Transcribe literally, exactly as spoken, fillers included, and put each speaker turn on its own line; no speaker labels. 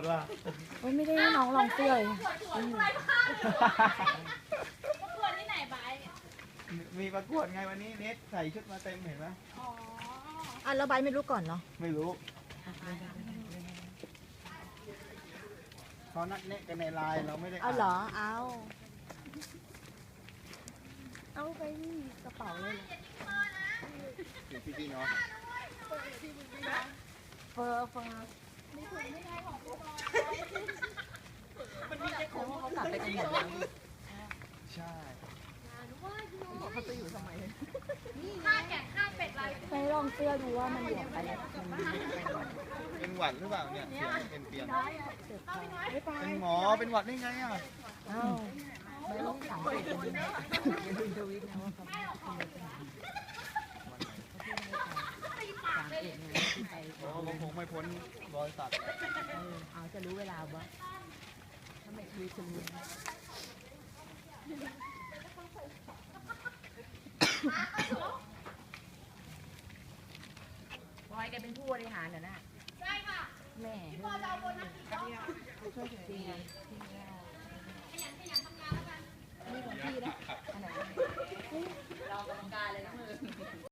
ดว่า
โอ้ยไม่ได้ให้น้องลองเสื้อเลย
ประกวดที่ไหนบาย
มีประกวดไงวันนี้เน็ตใส่ชุดมาเต็มเห็นไหม
อ๋อ
อ่ะแล้วใบไม่รู้ก่อนเนาะ
ไม่รู้เขานัดเน็ตกันในไลน์เราไม่ได้
เอาเหรอเอาเอาไปนี่กระเป๋าเลยเหรอ
ถึงพี่พี่เนาะ
เฟอร์เฟอร์
มันมีแต่ของ
เขากลับไปกันหมดแล้ว
ใช่
เขาจะอยู่ทำไม
ข้าแกะข้าเป็ดลาย
ไปลองเสื้อดูว่ามันหลวมไปมันดี
เป็นหวัดหรือเปล่าเนี่ยเสียงเป็นเปลี่ยน
เจ็บคอไม่ไป
เป็นหมอเป็นหวัดได้ไงอ่ะ
เอ้าไม่ต้องสังเกตกันดีนะอย่าดูทวิตนะว่าเขาสังเกตไงที่ไป
โอ้ผมคงไม่พ้นรอยสัก
เออเอาจะรู้เวลาบ่ถ้าไม่ทวิตจะรู้ บอยแกเป็นผู้บริหารเหรอนะ
ใช่ค่ะ
แม่
พอเราโบนัสกี่รอบ
ช่วยดี